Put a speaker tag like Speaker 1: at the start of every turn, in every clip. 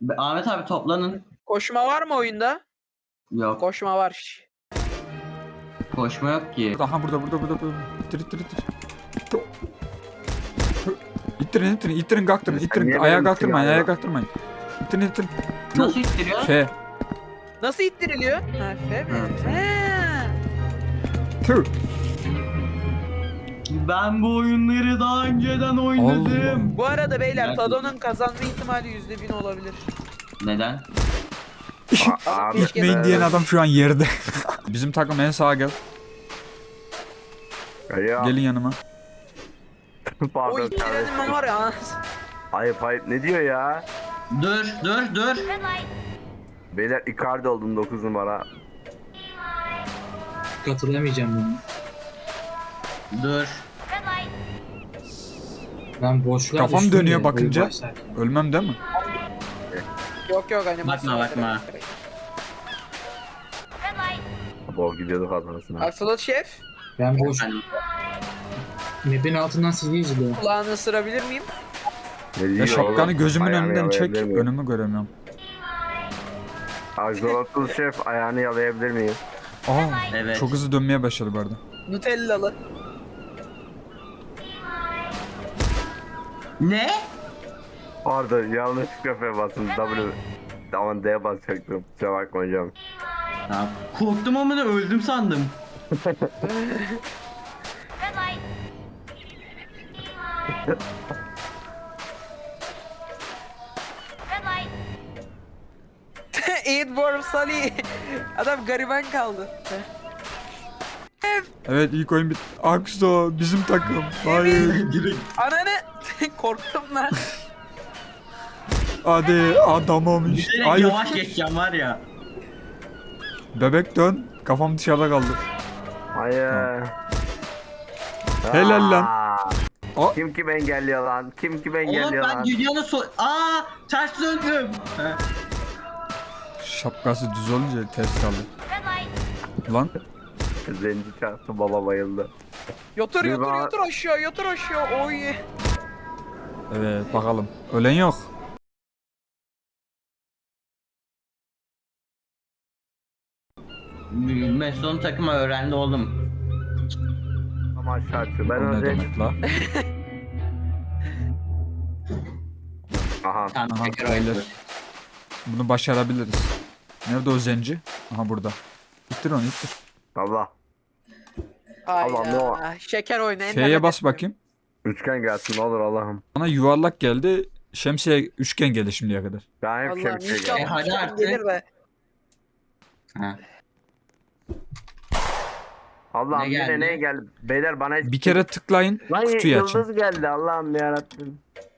Speaker 1: Ahmet abi toplanın.
Speaker 2: Koşma var mı oyunda?
Speaker 1: Yok.
Speaker 2: Koşma var.
Speaker 1: Koşma yok ki.
Speaker 3: Aha burada. İttir. İttirin kalktırın.
Speaker 4: niye
Speaker 3: Ayağa
Speaker 4: benim
Speaker 3: kalktırmayın,
Speaker 4: silahım
Speaker 3: ayağa
Speaker 4: yok?
Speaker 3: kalktırmayın. İttirin.
Speaker 1: Nasıl ittiriyor?
Speaker 3: F.
Speaker 2: Nasıl ittiriliyor? Ha F mi?
Speaker 1: Hı.
Speaker 2: He.
Speaker 3: Tüh.
Speaker 1: Ben bu oyunları daha önceden oynadım.
Speaker 2: Bu arada beyler
Speaker 1: Nerede?
Speaker 2: Tado'nun kazanma ihtimali %1000 olabilir.
Speaker 1: Neden?
Speaker 4: Abi,
Speaker 3: İtmeyin diyen adam şu an yerde. Bizim takım en sağa gel.
Speaker 4: Ya.
Speaker 3: Gelin yanıma.
Speaker 2: O
Speaker 4: Pardon
Speaker 2: ittirenin ben
Speaker 4: kardeşim.
Speaker 2: var ya.
Speaker 4: Ayıp ne diyor ya?
Speaker 1: Dur.
Speaker 4: Beyler Icardi oldum 9 numara.
Speaker 5: Katılamayacağım bunu.
Speaker 1: Dur.
Speaker 5: Ben boşluğa
Speaker 3: Kafam
Speaker 5: düştüm
Speaker 3: dönüyor
Speaker 5: de
Speaker 3: bakınca.
Speaker 5: oyun başlarken.
Speaker 3: Ölmem değil mi?
Speaker 2: Yok animasyon.
Speaker 1: Bakma.
Speaker 4: Bol gidiyorduk adamısına.
Speaker 2: Aksolot şef,
Speaker 5: Ben boş.
Speaker 1: Efendim?
Speaker 5: Map'in altından sizi izliyor.
Speaker 2: kulağını ısırabilir miyim?
Speaker 4: Ne diyor
Speaker 3: Ya şapkanı
Speaker 4: oğlum?
Speaker 3: gözümün
Speaker 4: Ayağını
Speaker 3: önünden çek.
Speaker 4: yalayabilir miyim?
Speaker 3: Önümü göremiyorum.
Speaker 4: Axolotl şef ayağını yalayabilir miyim?
Speaker 3: Aa,
Speaker 1: Evet.
Speaker 3: çok hızlı dönmeye başladı bu arada.
Speaker 2: Nutellalı.
Speaker 1: Ne?
Speaker 4: Pardon yanlış kafaya bastım. Aman D'ye basacaktım. Kusura bakma hocam.
Speaker 1: Ya, korktum ama da öldüm sandım.
Speaker 2: Eidborn Sally. Adam gariban kaldı.
Speaker 3: Evet ilk oyun bitti. Akso bizim takım. Hayır.
Speaker 1: Direkt.
Speaker 2: Ananı. Korktum lan.
Speaker 3: Hadi adamım işte.
Speaker 1: Direkt
Speaker 3: Hayır.
Speaker 1: yavaş geçeceğim var ya.
Speaker 3: Bebek dön. Kafam dışarıda kaldı.
Speaker 4: Hayır.
Speaker 3: Helal lan.
Speaker 4: Aa!
Speaker 3: Aa.
Speaker 4: Kim engelliyor lan? Kim
Speaker 1: Oğlum
Speaker 4: engelliyor
Speaker 1: ben
Speaker 4: lan?
Speaker 1: dünyanın ters döndüm. He.
Speaker 3: Şapkası düz olunca ters kaldı. Lan.
Speaker 4: Zenci çarptı baba bayıldı.
Speaker 2: Yotur
Speaker 4: Bir bak-
Speaker 2: yotur aşağı. Oy.
Speaker 3: Evet bakalım. Ölen yok.
Speaker 1: Mesut'un takımı öğrendi oğlum.
Speaker 4: Ama aşağı atıyor. Ben
Speaker 3: O ne
Speaker 4: önce...
Speaker 3: demek la?
Speaker 4: Aha.
Speaker 1: Tamam
Speaker 3: Aha
Speaker 1: tekrar
Speaker 3: beyler.
Speaker 1: oynuyoruz.
Speaker 3: Bunu başarabiliriz. Nerede o zenci? Aha burada. İttir onu ittir.
Speaker 4: Allah. Allah, ne o?
Speaker 2: Hayda. Şeker oyunu.
Speaker 3: F'ye
Speaker 2: internet
Speaker 3: bas
Speaker 2: yapıyorum.
Speaker 3: bakayım.
Speaker 4: Üçgen gelsin ne olur Allah'ım.
Speaker 3: Bana yuvarlak geldi. Şemsiye üçgen geldi şimdiye kadar.
Speaker 4: Ben hep
Speaker 2: Allah'ım
Speaker 4: şemsiye
Speaker 2: inşallah
Speaker 4: geldim.
Speaker 1: hadi
Speaker 2: üçgen
Speaker 1: artık.
Speaker 2: gelir de.
Speaker 1: Ha.
Speaker 4: Allah'ım
Speaker 1: Ne
Speaker 4: yine
Speaker 1: geldi?
Speaker 4: ne geldi? Beyler bana hiç...
Speaker 3: Bir kere tıklayın.
Speaker 4: Lan
Speaker 3: Kutuyu açın.
Speaker 4: yıldız geldi Allah'ım yarabbim.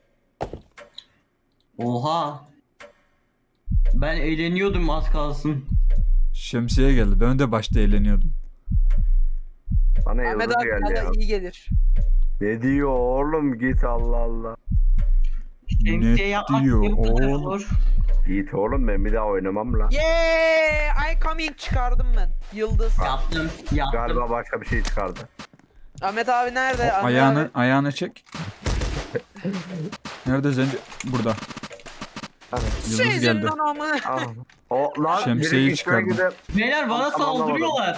Speaker 1: Oha. Ben eğleniyordum az kalsın.
Speaker 3: Şemsiye geldi. Ben de başta eğleniyordum.
Speaker 4: Bana
Speaker 2: Ahmet
Speaker 4: yıldız
Speaker 2: abi
Speaker 4: geldi
Speaker 2: bana
Speaker 4: ya.
Speaker 2: iyi gelir.
Speaker 4: Ne diyor oğlum git Allah Allah.
Speaker 1: Şemsiye yapmak
Speaker 3: diyor
Speaker 1: ne bu kadar
Speaker 3: oğlum?
Speaker 1: zor?
Speaker 4: Git oğlum ben bir daha oynamam lan.
Speaker 2: Yeah! I coming çıkardım ben. Yıldız.
Speaker 1: Yaptım.
Speaker 4: Galiba başka bir şey çıkardı.
Speaker 2: Ahmet abi nerede? Ahmet
Speaker 3: Ayağını
Speaker 2: abi.
Speaker 3: ayağını çek. Nerede zenci? Burada. Yıldız
Speaker 2: Sizin
Speaker 3: geldi.
Speaker 2: anamı.
Speaker 4: Ah. O lan
Speaker 3: Şemsiyeyi
Speaker 4: biri
Speaker 3: çıkardım.
Speaker 4: gidip-
Speaker 1: Beyler bana
Speaker 4: Tamam,
Speaker 1: saldırıyorlar.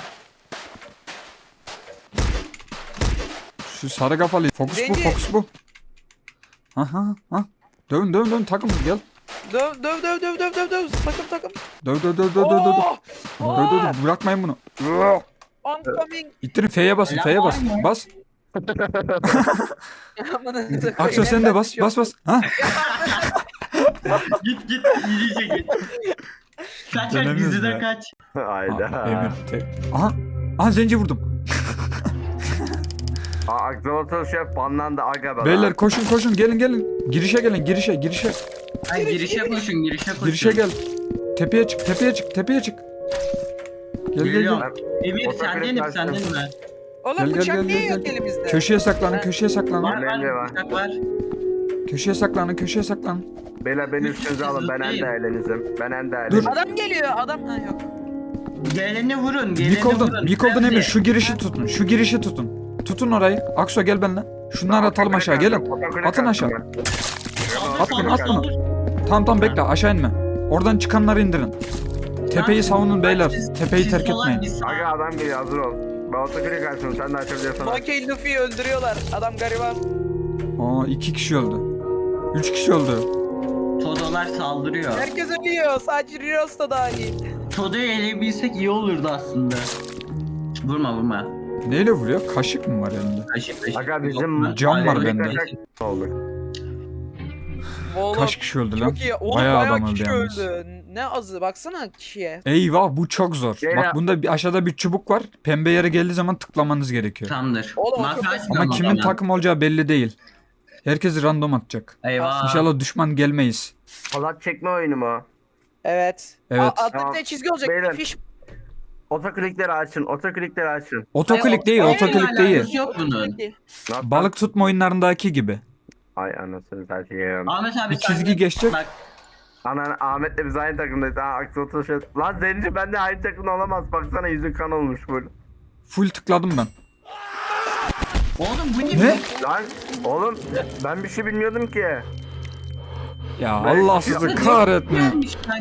Speaker 3: Şu sarı kafalı. Fokus bu,
Speaker 2: Zenci.
Speaker 3: fokus bu. Aha, ha. Dön takım gel.
Speaker 2: Döv. Takım.
Speaker 3: Döv.
Speaker 2: Oh!
Speaker 3: Bırakmayın bunu.
Speaker 2: Oncoming.
Speaker 3: İttirin F'ye basın,
Speaker 1: Selam
Speaker 3: F'ye
Speaker 1: var
Speaker 3: bas.
Speaker 1: mı?
Speaker 3: Bas.
Speaker 2: Amına koyayım,
Speaker 3: Akso sen de bas,
Speaker 2: kaçıyor.
Speaker 3: bas. Ha?
Speaker 1: Git iyice git. Kaç
Speaker 3: Dönemiyoruz
Speaker 1: diziden
Speaker 3: ya.
Speaker 1: kaç.
Speaker 4: Hayda.
Speaker 3: Emir tek. Aha zenci vurdum.
Speaker 4: Aksolotl şef banlandı aga be.
Speaker 3: Beyler koşun gelin. Girişe gelin, girişe.
Speaker 1: Ay girişe koşun.
Speaker 3: Girişe gel. Tepeye çık. Gel.
Speaker 1: Geliyorum. Emir
Speaker 4: Ortak
Speaker 1: senden mi
Speaker 4: karşısına.
Speaker 1: mi?
Speaker 2: Oğlum
Speaker 3: Gel,
Speaker 2: bıçak
Speaker 3: gel,
Speaker 2: niye
Speaker 3: gel,
Speaker 2: yok
Speaker 3: gel.
Speaker 2: elimizde?
Speaker 3: Köşeye saklanın.
Speaker 1: Var
Speaker 4: Bence var.
Speaker 1: bıçak var.
Speaker 3: Köşeye saklanın.
Speaker 4: Beyler beni üstünüze alın ben en değerlinizim. Ben en
Speaker 3: Dur.
Speaker 4: değerlinizim.
Speaker 2: Adam geliyor. Adam ha yok.
Speaker 1: Geleni vurun.
Speaker 3: Mikol'dan Emir şu girişi tutun. Tutun orayı. Akso gel benimle. Şunları atalım aşağı gelin. Atın aşağı. At bunu. Tamam bekle, aşağı inme. Oradan çıkanları indirin. Tepeyi savunun beyler. Tepeyi terk etmeyin.
Speaker 4: Aga adam geliyor, hazır ol. Ben otoklik açtım, sen de açabiliyorsan.
Speaker 2: Monkey Luffy'yi öldürüyorlar. Adam gariban.
Speaker 3: Aa 2 kişi öldü. 3 kişi öldü.
Speaker 6: Todolar saldırıyor.
Speaker 2: Herkes ölüyor. Sadece Rios da dahil.
Speaker 6: Todo'yu eleyebilsek iyi olurdu aslında. Vurma.
Speaker 3: Neyle vuruyor? Kaşık mı var elinde?
Speaker 6: Kaşık.
Speaker 4: Aga bizim
Speaker 3: Cam var
Speaker 6: Alev-
Speaker 3: bende.
Speaker 4: oldu.
Speaker 2: Oğlum,
Speaker 3: Kaç kişi öldü lan?
Speaker 2: çok iyi. Oğlum
Speaker 3: Bayağı
Speaker 2: bayağı,
Speaker 3: adam öldü
Speaker 2: kişi
Speaker 3: yalnız.
Speaker 2: öldü. Ne azı baksana kişiye.
Speaker 3: Eyvah bu çok zor.
Speaker 4: Gel
Speaker 3: Bak
Speaker 4: ya.
Speaker 3: bunda aşağıda bir çubuk var. Pembe yere geldiği zaman tıklamanız gerekiyor.
Speaker 6: Tamamdır.
Speaker 2: Oğlum, o
Speaker 6: Marka
Speaker 2: çok
Speaker 6: açmıyorum
Speaker 3: Ama
Speaker 6: o
Speaker 3: kimin
Speaker 6: zaman.
Speaker 3: takım olacağı belli değil. Herkes random atacak.
Speaker 6: Eyvah.
Speaker 3: İnşallah düşman gelmeyiz.
Speaker 4: Halat çekme oyunu mu?
Speaker 2: Evet.
Speaker 3: Evet.
Speaker 2: Altta
Speaker 4: Tamam.
Speaker 2: bir de çizgi olacak.
Speaker 4: Beyler.
Speaker 2: Fiş.
Speaker 4: Otoklikleri açın, otoklikleri açın.
Speaker 3: Otoklik değil,
Speaker 6: Hayır,
Speaker 3: otoklik
Speaker 6: alakası
Speaker 3: değil.
Speaker 6: yok bunun.
Speaker 4: Nasıl?
Speaker 3: Balık tutma oyunlarındaki gibi.
Speaker 4: Ay anasını satayım.
Speaker 6: Ahmet abi
Speaker 3: Bir
Speaker 6: sen
Speaker 3: çizgi
Speaker 6: de-
Speaker 3: geçecek.
Speaker 6: Bak,
Speaker 4: Anan Ahmet'le biz aynı takımdayız. Ha aksi oturuşu. Lan Zenci ben de aynı takımda olamaz. Baksana yüzün kan olmuş böyle.
Speaker 3: Full tıkladım ben.
Speaker 6: oğlum bu
Speaker 3: Ne?
Speaker 4: Lan oğlum ben bir şey bilmiyordum ki.
Speaker 3: Ya
Speaker 4: Ben-
Speaker 3: Allah sizi kahretmeyin.
Speaker 6: Gelmiş, ben